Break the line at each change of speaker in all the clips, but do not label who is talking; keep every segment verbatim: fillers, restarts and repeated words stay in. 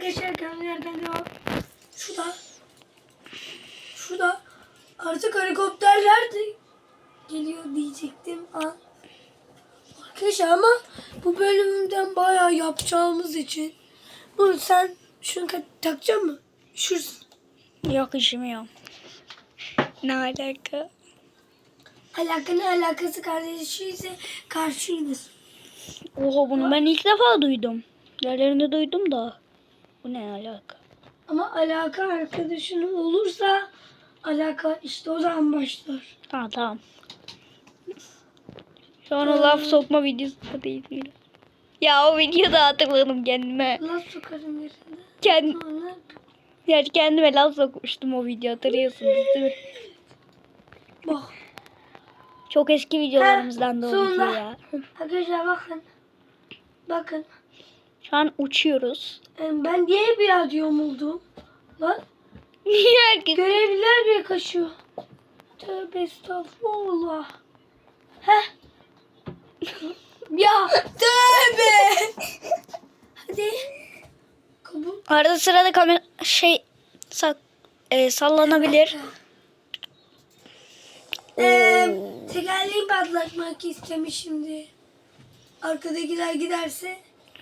arkadaşlar kanalı yerden devam. Şurada. Şurada. Artık helikopterler de geliyor diyecektim. An. Arkadaşlar ama bu bölümden bayağı yapacağımız için. Bunu sen şunu takacak mı? Üşürsün.
Yok üşümüyorum. Ne alaka?
Alaka ne alakası kardeşi ise karşıyız.
Oha bunu ben ilk defa duydum. Yerlerinde duydum da. Bu ne alaka?
Ama alaka arkadaşının olursa alaka işte o zaman başlar.
Ha tamam. Şu an o laf sokma videosu da değil mi? Ya o videoda hatırladım kendime.
Laf sokarım yerinde.
Kend,
Sonra
yani kendime laf sokmuştum o video, hatırlıyorsunuz değil mi?
bak.
Çok eski videolarımızdan da o
sonunda.
video ya.
Arkadaşlar bakın. Bakın.
Şu an uçuyoruz.
Ee, Ben niye biraz yomuldum? Lan.
Niye herkes?
Görevliler bile kaçıyor. Tövbe estağfurullah. Heh. Ya tövbe. Hadi. Kabul.
Arada sırada kamera şey sak, e, sallanabilir.
Ee, tekerleği patlatmak istemiş şimdi. Arkadakiler giderse.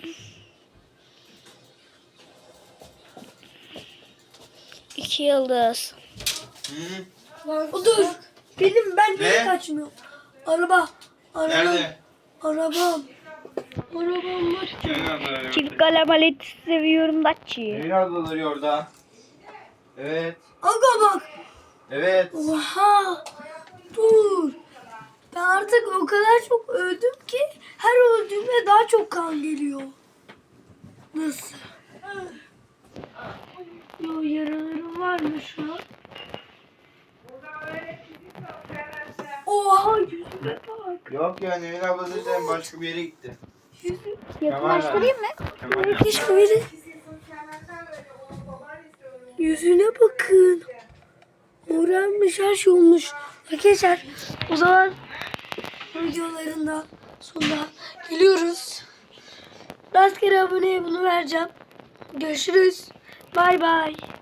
İki yıldız.
O dur. Benim ben niye
Ne?
kaçmıyorum? Araba. Arabam.
Nerede?
Arabam. Arabam var.
Çift kalabalık seviyorum Datçı.
Evin ablaları orada. Evet.
Aga bak.
Evet.
Oha. Dur. Ben artık o kadar çok öldüm ki her öldüğümde daha çok kan geliyor. Nasıl? Yo, yaralarım var mı şu an? Oha yüzüme bak.
Yok ya Nevin abla zaten başka bir yere gitti.
Yüzü.
Yakınlaştırayım mı?
Kemal.
Keşke biri. Yüzüne bakın. Morarmış, her şey olmuş. Arkadaşlar o zaman videolarında sonuna geliyoruz. Rastgele aboneye bunu vereceğim. Görüşürüz. Bay bay.